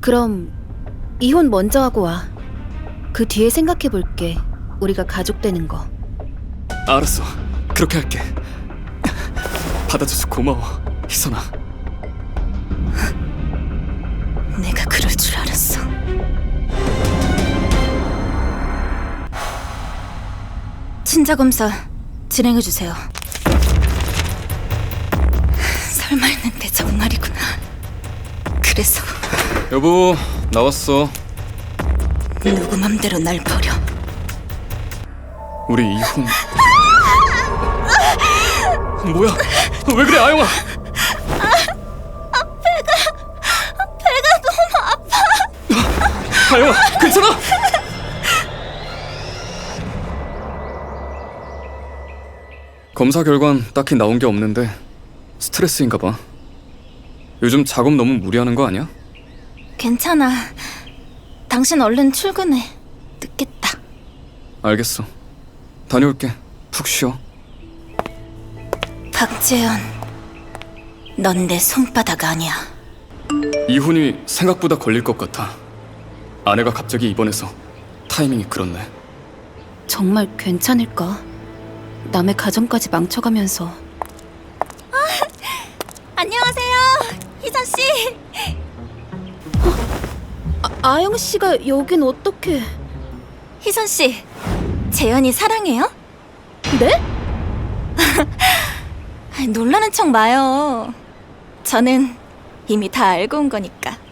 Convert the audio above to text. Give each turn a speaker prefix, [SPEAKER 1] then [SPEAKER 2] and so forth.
[SPEAKER 1] 그럼 이혼 먼저 하고 와. 그 뒤에 생각해 볼게. 우리가 가족 되는 거.
[SPEAKER 2] 알았어. 그렇게 할게. 받아줘서 고마워, 희선아.
[SPEAKER 1] 내가 그럴 줄 알았어. 친자 검사 진행해 주세요. 설마 했는데 정말이구나. 그래서
[SPEAKER 2] 여보, 나왔어.
[SPEAKER 1] 누구 맘대로 날 버려.
[SPEAKER 2] 우리 이혼. 뭐야? 왜 그래, 아영아?
[SPEAKER 1] 배가 너무 아파.
[SPEAKER 2] 아영아, 괜찮아? 검사 결과는 딱히 나온 게 없는데 스트레스인가 봐. 요즘 작업 너무 무리하는 거 아니야?
[SPEAKER 1] 괜찮아. 당신 얼른 출근해. 늦겠다.
[SPEAKER 2] 알겠어. 다녀올게. 푹 쉬어.
[SPEAKER 1] 박재현, 넌 내 손바닥 아니야.
[SPEAKER 2] 이혼이 생각보다 걸릴 것 같아. 아내가 갑자기 입원해서 타이밍이 그렇네.
[SPEAKER 1] 정말 괜찮을까? 남의 가정까지 망쳐가면서. 안녕하세요, 희선 씨. 아영 씨가 여긴 어떻게? 희선 씨, 재현이 사랑해요? 네? 놀라는 척 마요. 저는 이미 다 알고 온 거니까.